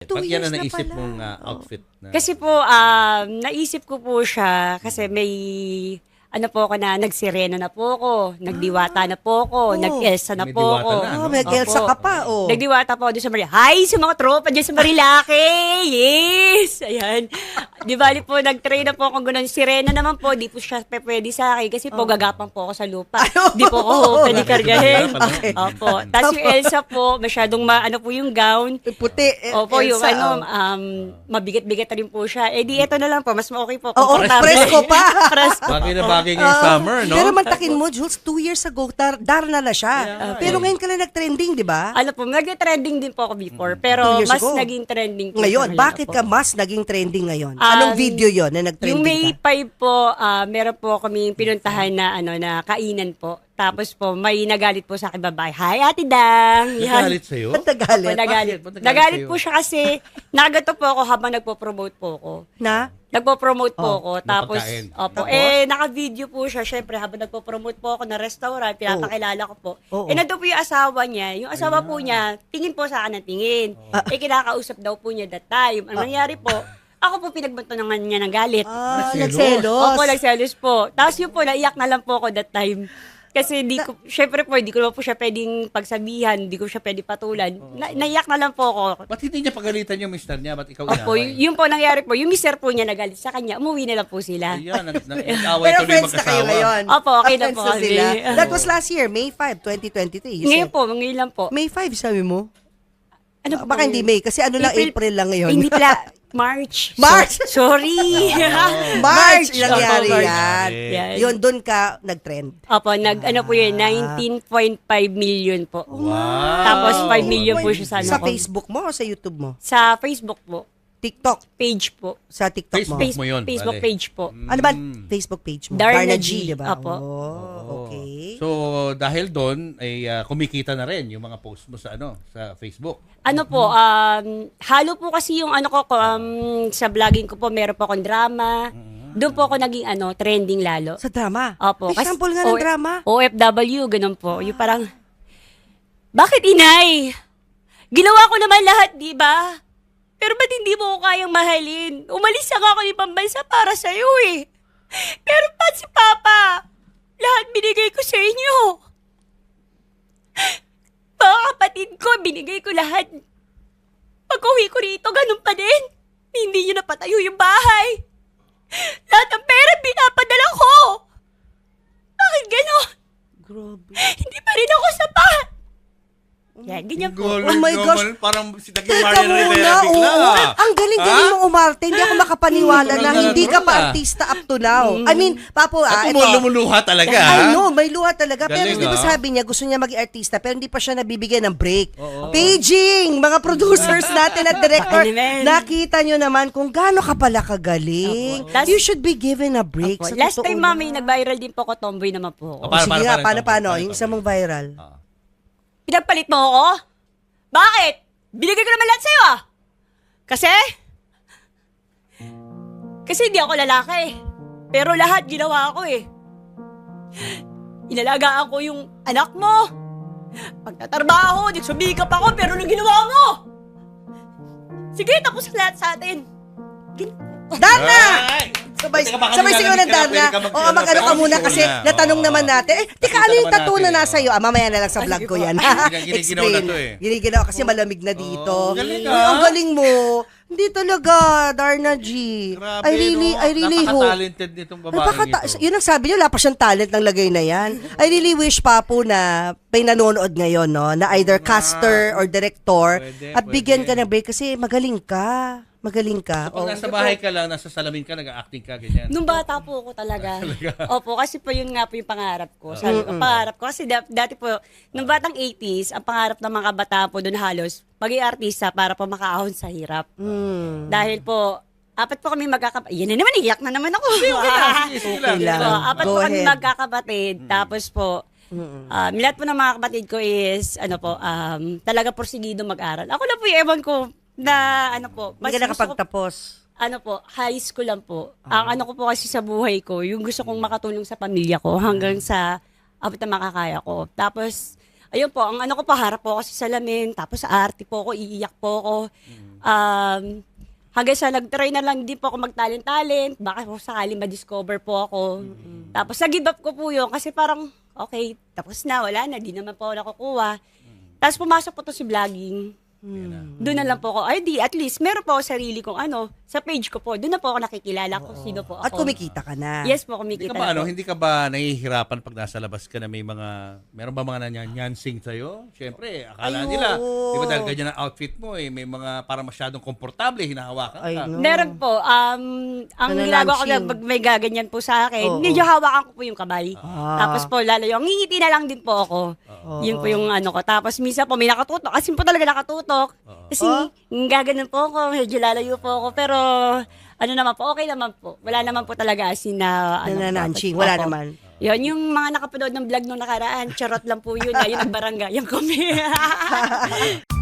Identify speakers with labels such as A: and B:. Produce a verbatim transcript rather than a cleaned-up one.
A: two
B: Ba't
A: years
B: yan ang
A: na
B: naisip
A: pala.
B: mong uh, outfit? Na,
C: Kasi po, um, naisip ko po siya kasi may, ano po ako na, nagsirena na po ako, nagdiwata na po ako,
A: Oh.
C: nag-Elsa na
B: May
C: po
B: diwata
C: ako.
B: na,
A: Oh,
B: no?
A: may Elsa
C: Opo.
A: ka pa, oh.
C: Nagdiwata po ako doon sa Marilaki. Hi sa mga tropa dyan sa Marilaki! Yes! Ayan. Di bali po, nag-try na po ako ganun. Sirena naman po, di po siya pe- pwede sa akin kasi po gagapang po ako sa lupa. Di po ako pwede kargahin.
A: Okay.
C: Opo. Tapos yung Elsa po, masyadong ma, ano po yung gown.
A: Puti. eh,
C: Opo, yung
A: Elsa,
C: ano,
A: oh.
C: um, mabigat-bigat na rin po siya. Eh di, eto na lang po, mas okay po.
A: Oo,
C: Komportable.
A: presko pa.
C: Presko.
B: Bagay na bagay ngayong summer, no?
A: Pero mantakin mo, Jules, two years ago, dar, dar na na siya.
B: Yeah.
A: Pero ngayon ka lang nag-trending, di ba?
C: Ano po, nag-trending din po ako before, pero
A: Two years
C: mas
A: ago.
C: naging trending po.
A: Ngayon,
C: sa kanila
A: bakit
C: po.
A: ka mas naging trending ngayon?
C: Um,
A: Anong video yon na nag-trending
C: Yung May
A: ka?
C: five po, ah, meron po kami pinuntahan na ano na kainan po. Tapos po, may nagalit po sa akin babae. Hi, Ate Dang! Yan.
B: Nagalit sa'yo?
A: Ba't nagalit?
C: Opo, nagalit.
B: Bakit? Ba't nagalit
C: Nagalit
B: sa'yo?
C: po siya kasi nagato po ako habang nagpo-promote po ako.
A: Na?
C: Nagpo-promote po
A: Oh,
C: ako.
B: ng
C: Tapos,
B: pagkain.
C: opo,
A: Tapos?
C: eh, naka-video po siya. Siyempre, habang nagpo-promote po ako na restaurant, pinapakilala ko po.
A: Oo.
C: Eh, nandun po yung asawa niya. Yung asawa po niya, tingin po sa akin ng tingin. Eh, kinakausap daw po niya that time. Ang nangyari po, ako po pinagbantunan niya ng galit.
A: Ah,
B: Nagselos.
A: nagselos.
C: Opo, nagselos po. Tapos yun po, naiyak na lang po ako that time. Kasi di ko, syempre po, di ko naman po siya pwedeng pagsabihan, di ko siya pwedeng patulan. Na, naiyak na lang po ako.
B: Ba't hindi niya pagalitan yung mister niya? Ba't ikaw
C: Opo,
B: inaway?
C: y- yun po nangyari po. Yung mister po niya nagalit sa kanya, umuwi na lang po sila.
B: Ayan, nag- nag- nag-away
A: Pero
B: tuloy
A: friends na kayo
B: mag-asawa.
A: ngayon.
C: Opo, okay na
A: Friends
C: po kami.
A: sila. That was last year, May fifth, twenty twenty-three. You
C: Ngayon
A: said.
C: po, ngayon lang po.
A: May fifth, sabi mo?
C: Ano po
A: Baka hindi May, kasi ano lang,
C: April-
A: April lang ngayon.
C: Hindi pala, March.
A: March!
C: So- sorry.
A: March,
C: March.
A: nangyari
C: Opo, March.
A: yan.
C: Yan.
A: Yun, doon ka nag-trend.
C: Opo, nag, ano po yun, nineteen point five million po.
B: Wow.
C: Tapos five million po siya sa ano
A: Sa
C: ko.
A: Facebook mo o sa YouTube mo?
C: Sa Facebook po.
A: TikTok?
C: Page po.
A: Sa TikTok mo?
B: Facebook.
C: Face-
B: mo yun,
C: Facebook
B: bale.
C: page po.
A: Ano ba Facebook page mo?
C: Darna
A: Darna
C: G,
A: G, di ba?
C: apo.
A: Oh, okay.
B: So, dahil doon, ay ah, kumikita na rin yung mga post mo sa ano sa Facebook.
C: Ano po, um, halo po kasi yung ano ko, ko, um, sa vlogging ko po, meron po akong drama. Doon po ako naging ano, trending lalo.
A: Sa drama?
C: Opo.
A: May sample nga ng
C: O-
A: drama.
C: O F W, ganun po. Yung parang, bakit inay? Ginawa ko naman lahat, di ba? Pero ba't hindi mo ko kayang mahalin? Umalis na nga ako ni pambansa para sa'yo eh. Pero ba't si Papa? Lahat binigay ko sa inyo. Mga kapatid ko, binigay ko lahat. Pag uwi ko rito, ganun pa din. Hindi nyo napatayo yung bahay. Lahat ng pera pinapadala ko. Bakit ganon?
A: Grabe.
C: Hindi pa rin ako sapat. Yan, ganyan po.
A: Oh my gosh.
B: Parang si Daging
A: Teka
B: Marian
A: muna,
B: Rivera
A: oo.
B: bigla.
A: Ang galing-galing
B: Ha?
A: mong umarte. Hindi ako makapaniwala
B: Mm,
A: na
B: talaga,
A: hindi ka pa
B: talaga.
A: artista up to now. I mean, Papo, ah,
B: At
A: ito.
B: lumuluha talaga.
A: I
B: ha?
A: know, may luha talaga. Pero
B: Galing,
A: di ba
B: ah.
A: sabi niya, gusto niya maging artista, pero hindi pa siya nabibigyan ng break. Paging! Mga producers natin at director,
C: Ano naman?
A: nakita nyo naman kung gaano ka pala kagaling.
C: Opo. Last-
A: You should be given a break.
C: Opo.
A: Sa
C: Last
A: totoo
C: time,
A: lang.
C: mami, nag-viral din po ako, tomboy naman po ako.
B: Oh, Paano,
A: Sige
B: paano,
A: nga,
B: paano,
A: paano,
B: paano,
A: paano?
B: paano,
A: Yung
B: paano?
A: isa mong viral.
B: Ah.
C: Pinagpalit mo ako? Bakit? Binigay ko naman lahat sa'yo ah. Kasi? Kasi hindi ako lalaki. Pero lahat ginawa ko eh. Inalagaan ko yung anak mo. Pagtatrabaho, nagsumikap ako, pero anong ginawa mo? Sige, tapos lahat sa atin. Gin-
A: Darna!
B: Ay!
A: Sabay,
B: Teka, baka
A: sabay sigaw ng
B: nilalamig ka na,
A: Darna.
B: pwede ka mag-
A: Oo, mag-ano ka
B: pero
A: muna
B: ikaw
A: kasi
B: na.
A: natanong
B: Oo.
A: naman natin. Eh, tika,
B: Pakita
A: ano yung
B: naman
A: tattoo na
B: natin,
A: nasa
B: oh.
A: iyo? Ah, mamaya na lang sa
C: Ay,
A: vlog
C: sige
A: ko
C: po.
A: yan.
B: Giniginaw
A: Explain.
B: na to eh.
A: Giniginaw kasi malamig na dito.
B: Oo, galing
A: Uy,
B: ah.
A: ang galing mo. Hindi talaga, Darna G.
B: Grabe,
A: I really,
B: no?
A: I really hope.
B: Napaka-talented nitong babaeng
A: Napakata-
B: ito.
A: Yun ang sabi niyo, wala pa siyang talent ng lagay na yan. I really wish pa po na may nanonood ngayon, no? Na either caster or director
B: Pwede,
A: at bigyan
B: pwede.
A: ka ng break kasi magaling ka. Magaling ka.
B: Kapag
A: Oh.
B: nasa bahay ka lang, nasa salamin ka, nag-acting ka, ganyan.
C: Nung bata po ako talaga. Opo, kasi po yun nga po yung pangarap ko. Sabi ko, pangarap ko. Kasi da- dati po, nung batang eighties, ang pangarap ng mga bata po doon halos, maging artista para po makaahon sa hirap.
A: Hmm.
C: Dahil po, apat po kami magkakapatid. Yan na naman, iyak na naman ako.
B: Okay lang, sige, sige lang.
A: Okay lang.
C: So, apat
A: Go
C: po kami
A: ahead.
C: magkakapatid. Tapos po, um, lahat po ng mga kapatid ko is, ano po, um, talaga porsigido mag-aral. Ako lang po yung ewan ko na, ano po,
A: Hindi ka
C: gusto ko-
A: nakapagtapos.
C: ano po, high school lang po. Ang ano ko po kasi sa buhay ko, yung gusto kong makatulong sa pamilya ko hanggang sa abot na makakaya ko. Tapos, ayun po, ang ano ko pa, harap po ako sa salamin, tapos sa arte po ako, iiyak po ako. Um, hanggang sa nag-try na lang din po ako mag-talent-talent, baka po sakali ma-discover po ako. Tapos nag-give up ko po yun kasi parang, okay, tapos na, wala na, di naman po ako nakukuha. Tapos pumasok po to si vlogging. Doon na lang po ako, ay di, at least, meron po ako sarili kong ano, sa page ko po, doon na po ako nakikilala kung sino po ako.
A: At kumikita ka na.
C: Yes po,
B: Hindi
C: kumikita
B: ka ba,
C: na
B: ano,
C: po.
B: hindi ka ba nahihirapan pag nasa labas ka na may mga, meron ba mga nanyanyansing sa'yo? Siyempre, akala
A: Ay,
B: nila,
A: oo.
B: di ba dahil ganyan ang outfit mo eh, may mga parang masyadong komportable, hinahawakan
A: Ay,
B: ka.
A: no.
C: Meron po, um, ang
A: Nanananching.
C: ginagawa ko na pag may gaganyan po sa akin,
A: Oo.
C: medyo hawakan ko po yung kamay.
A: Ah.
C: Tapos po, lalayo, ang ngingiti na lang din po ako.
A: Oo.
C: Yun po yung ano ko. Tapos minsan po, may nakatutok. Kasi po talaga nakatutok. Kasi
A: Oh.
C: gaganon po ako, medyo lalayo po ako. Pero ano naman po, okay naman po. Wala naman po talaga as in na... Ano,
A: Nanananching,
C: dapat-
A: wala
C: Opo.
A: naman.
C: Yun, yung mga nakapanood ng vlog nung nakaraan, charot lang po yun. Ayun ang barangay, yung kami.